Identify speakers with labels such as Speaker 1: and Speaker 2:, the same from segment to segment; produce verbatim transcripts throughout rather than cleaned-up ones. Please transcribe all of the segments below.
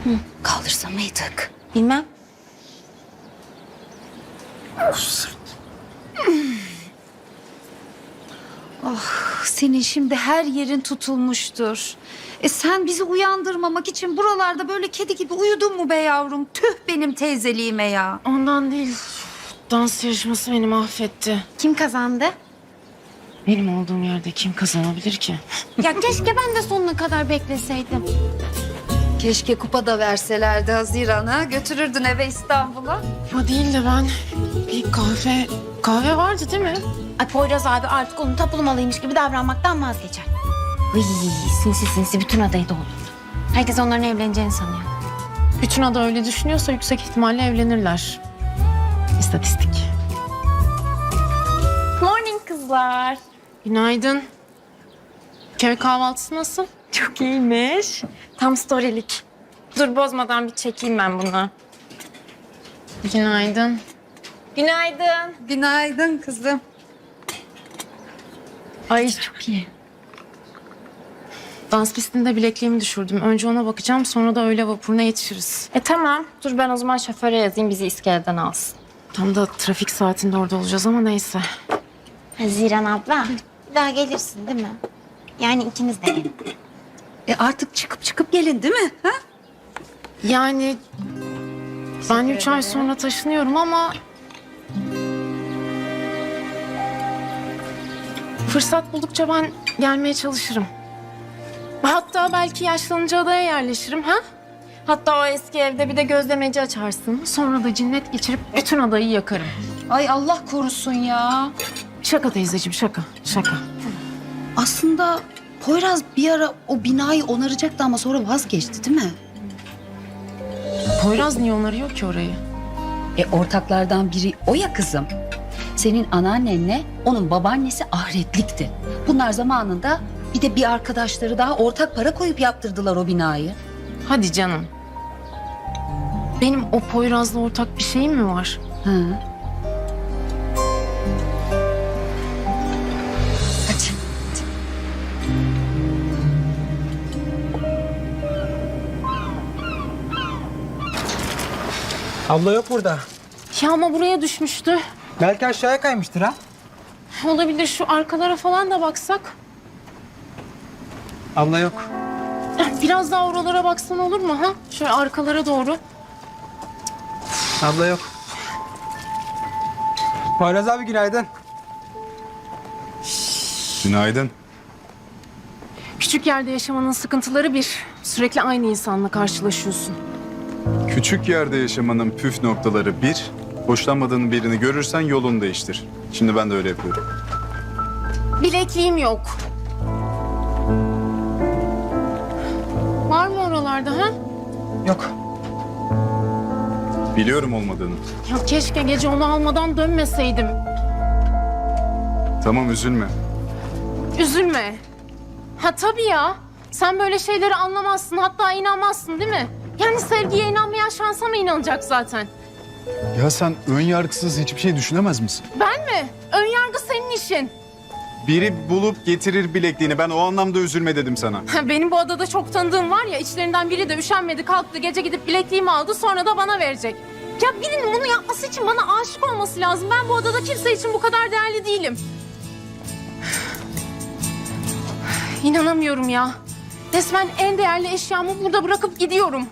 Speaker 1: Hı. Kaldırsa mıydık?
Speaker 2: Bilmem.
Speaker 1: Oh, senin şimdi her yerin tutulmuştur. E sen bizi uyandırmamak için buralarda böyle kedi gibi uyudun mu be yavrum? Tüh benim teyzeliğime ya.
Speaker 2: Ondan değil. Dans yarışması beni mahvetti.
Speaker 3: Kim kazandı?
Speaker 2: Benim olduğum yerde kim kazanabilir ki?
Speaker 3: Ya keşke ben de sonuna kadar bekleseydim.
Speaker 1: Keşke kupa da verselerdi Haziran'a. Götürürdün eve İstanbul'a.
Speaker 2: O değil de ben bir kahve... Kahve vardı değil mi?
Speaker 3: Ay Poyraz abi artık onun tapulmalıymış gibi davranmaktan vazgeçer. Hıy, sinsi sinsi bütün adayı doldurdu. Herkes onların evleneceğini sanıyor.
Speaker 2: Bütün ada öyle düşünüyorsa yüksek ihtimalle evlenirler. İstatistik.
Speaker 3: Morning kızlar.
Speaker 2: Günaydın. Köy kahvaltısı nasıl?
Speaker 3: Çok iyiymiş. Tam storylik. Dur bozmadan bir çekeyim ben bunu.
Speaker 2: Günaydın.
Speaker 3: Günaydın.
Speaker 1: Günaydın kızım.
Speaker 2: Ay çok iyi. Dans pistinde bilekliğimi düşürdüm. Önce ona bakacağım, sonra da öğle vapuruna yetişiriz.
Speaker 3: E tamam. Dur ben o zaman şoföre yazayım bizi iskeleden alsın.
Speaker 2: Tam da trafik saatinde orada olacağız ama neyse.
Speaker 3: Haziran abla. Bir daha gelirsin değil mi? Yani ikiniz de gelin.
Speaker 1: E artık çıkıp çıkıp gelin değil mi? Ha?
Speaker 2: Yani ben üç ay sonra taşınıyorum ama... Fırsat buldukça ben gelmeye çalışırım. Hatta belki yaşlanınca adaya yerleşirim ha?
Speaker 3: Hatta o eski evde bir de gözlemeci açarsın.
Speaker 2: Sonra da cinnet geçirip bütün adayı yakarım.
Speaker 1: Ay Allah korusun ya.
Speaker 2: Şaka teyzeciğim şaka, şaka.
Speaker 1: Aslında Poyraz bir ara o binayı onaracaktı ama sonra vazgeçti değil mi?
Speaker 2: Poyraz niye onarıyor ki orayı?
Speaker 1: E ortaklardan biri o ya kızım. Senin anneannenle onun babaannesi ahiretlikti. Bunlar zamanında bir de bir arkadaşları daha ortak para koyup yaptırdılar o binayı.
Speaker 2: Hadi canım. Benim o Poyraz'la ortak bir şeyim mi var?
Speaker 1: Ha. Hadi.
Speaker 4: Abla yok burada.
Speaker 2: Ya ama buraya düşmüştü.
Speaker 4: Belki aşağıya kaymıştır ha.
Speaker 2: Olabilir, şu arkalara falan da baksak.
Speaker 4: Abla yok.
Speaker 2: Biraz daha oralara baksan olur mu ha? Şöyle arkalara doğru.
Speaker 4: Abla yok. Poyraz abi günaydın.
Speaker 5: Günaydın.
Speaker 2: Küçük yerde yaşamanın sıkıntıları bir. Sürekli aynı insanla karşılaşıyorsun.
Speaker 5: Küçük yerde yaşamanın püf noktaları bir, hoşlanmadığın birini görürsen yolunu değiştir. Şimdi ben de öyle yapıyorum.
Speaker 2: Bilekliğim yok. Var mı oralarda ha?
Speaker 4: Yok.
Speaker 5: Biliyorum olmadığını.
Speaker 2: Ya keşke gece onu almadan dönmeseydim.
Speaker 5: Tamam üzülme.
Speaker 2: Üzülme. Ha tabii ya. Sen böyle şeyleri anlamazsın, hatta inanmazsın değil mi? Yani sevgiye inanmayan şansa mı inanacak zaten?
Speaker 5: Ya sen ön yargısız hiçbir şey düşünemez misin?
Speaker 2: Ben mi? Ön yargı senin işin.
Speaker 5: Biri bulup getirir bilekliğini. Ben o anlamda üzülme dedim sana.
Speaker 2: Ha, benim bu adada çok tanıdığım var ya, içlerinden biri de üşenmedi, kalktı gece gidip bilekliğimi aldı, sonra da bana verecek. Ya birinin bunu yapması için bana aşık olması lazım. Ben bu adada kimse için bu kadar değerli değilim. İnanamıyorum ya. Resmen en değerli eşyamı burada bırakıp gidiyorum.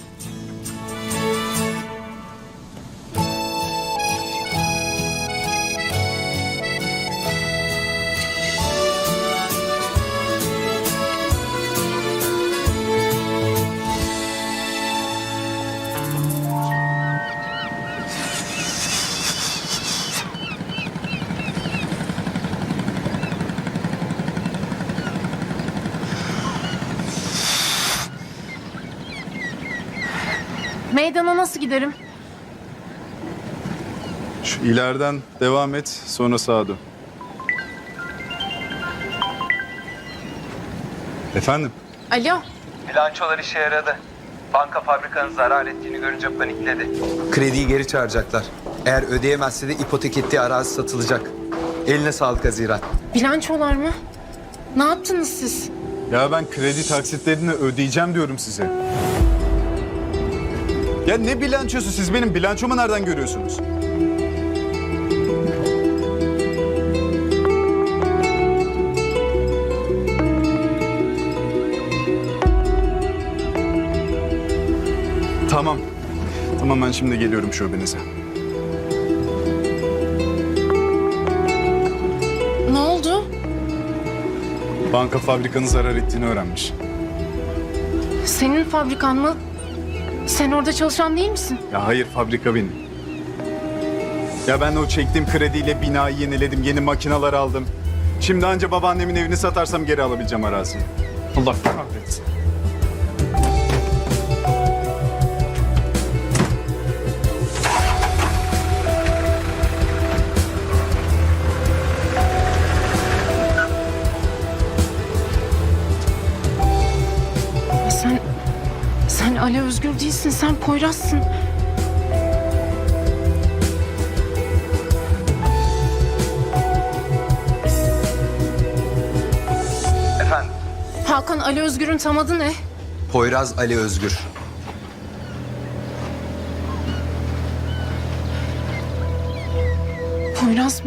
Speaker 2: Meydana nasıl giderim?
Speaker 5: Şu ileriden devam et, sonra sağa dön. Efendim?
Speaker 2: Alo.
Speaker 6: Bilançolar işe yaradı. Banka fabrikanın zarar ettiğini görünce panikledi. Krediyi geri çağıracaklar. Eğer ödeyemezse de ipotek ettiği arazi satılacak. Eline sağlık Haziran.
Speaker 2: Bilançolar mı? Ne yaptınız siz?
Speaker 5: Ya ben kredi taksitlerini ödeyeceğim diyorum size. Ya ne bilançosu? Siz benim bilançomu nereden görüyorsunuz? Tamam. Tamam, ben şimdi geliyorum şubenize.
Speaker 2: Ne oldu?
Speaker 5: Banka fabrikanın zarar ettiğini öğrenmiş.
Speaker 2: Senin fabrikan mı? Sen orada çalışan değil misin?
Speaker 5: Ya hayır, fabrika benim. Ya ben o çektiğim krediyle binayı yeniledim, yeni makineler aldım. Şimdi anca babaannemin evini satarsam geri alabileceğim araziyi. Allah kahretsin.
Speaker 2: Sen... Sen Ali Özgür değilsin, sen Poyraz'sın.
Speaker 6: Efendim?
Speaker 2: Hakan, Ali Özgür'ün tam adı ne?
Speaker 6: Poyraz Ali Özgür.
Speaker 2: Poyraz mı?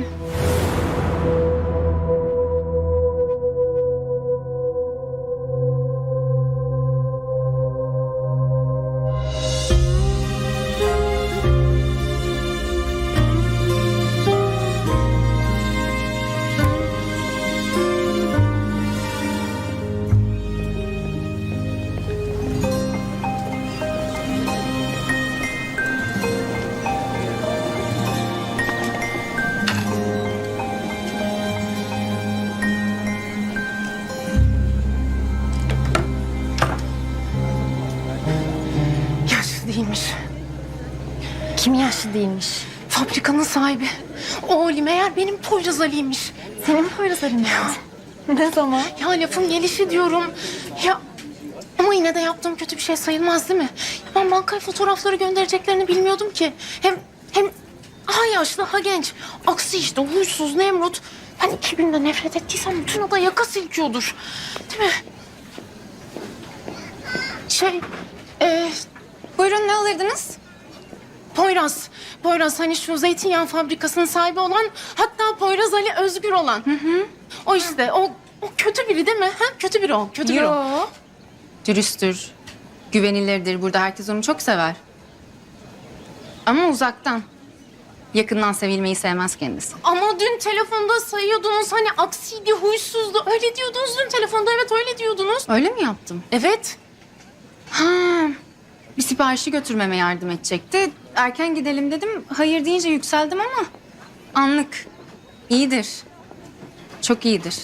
Speaker 2: Yaşlı değilmiş.
Speaker 3: Kim yaşlı değilmiş?
Speaker 2: Fabrikanın sahibi. O Ali meğer benim Poyraz Ali'ymiş.
Speaker 3: Senin Poyraz Ali mi? Ne zaman?
Speaker 2: Ya lafın gelişi diyorum. Ya ama yine de yaptığım kötü bir şey sayılmaz değil mi? Ya ben bankaya fotoğrafları göndereceklerini bilmiyordum ki. Hem hem ha yaşlı ha genç. Aksi işte huysuz Nemrut. Ben iki günde nefret ettiysem bütün ada yaka silkiyordur. Değil mi? Şey, e,
Speaker 3: Buyurun, ne alırdınız?
Speaker 2: Poyraz. Poyraz hani şu zeytinyağı fabrikasının sahibi olan, hatta Poyraz Ali Özgür olan. Hı hı. O işte o, o kötü biri değil mi? Ha? Kötü biri o. Kötü biri o.
Speaker 3: Yo. Dürüsttür, güvenilirdir. Burada herkes onu çok sever. Ama uzaktan. Yakından sevilmeyi sevmez kendisi.
Speaker 2: Ama dün telefonda sayıyordunuz hani aksiydi, huysuzdu. Öyle diyordunuz dün telefonda. Evet öyle diyordunuz.
Speaker 3: Öyle mi yaptım?
Speaker 2: Evet.
Speaker 3: Ha, bir siparişi götürmeme yardım edecekti. Erken gidelim dedim. Hayır deyince yükseldim ama anlık. İyidir. Çok iyidir.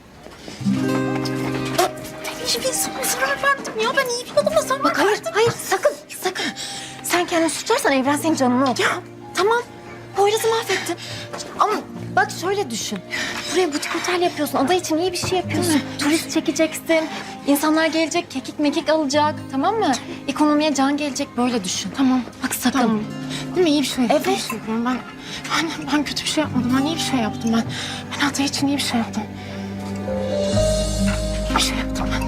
Speaker 2: İyi bir insana zarar verdim ya. Ben iyi bir adama zarar
Speaker 3: Bak hayır,
Speaker 2: verdim.
Speaker 3: hayır sakın, sakın. Sen kendini suçlarsan evren senin canını okur.
Speaker 2: Ya.
Speaker 3: Tamam, Poyraz'ı mahvettin. Ama bak şöyle düşün. Buraya butik otel yapıyorsun, ada için iyi bir şey yapıyorsun. Turist çekeceksin, insanlar gelecek, kekik mekik alacak, tamam mı? Ekonomiye can gelecek, böyle düşün.
Speaker 2: Tamam.
Speaker 3: Bak sakın.
Speaker 2: Tamam. Değil mi? İyi bir şey.
Speaker 3: Evet.
Speaker 2: İyi bir şey yapıyorum. Ben, ben, ben kötü bir şey yapmadım. Ben iyi bir şey yaptım ben. Ben Ata için iyi bir şey yaptım. İyi bir şey yaptım ben.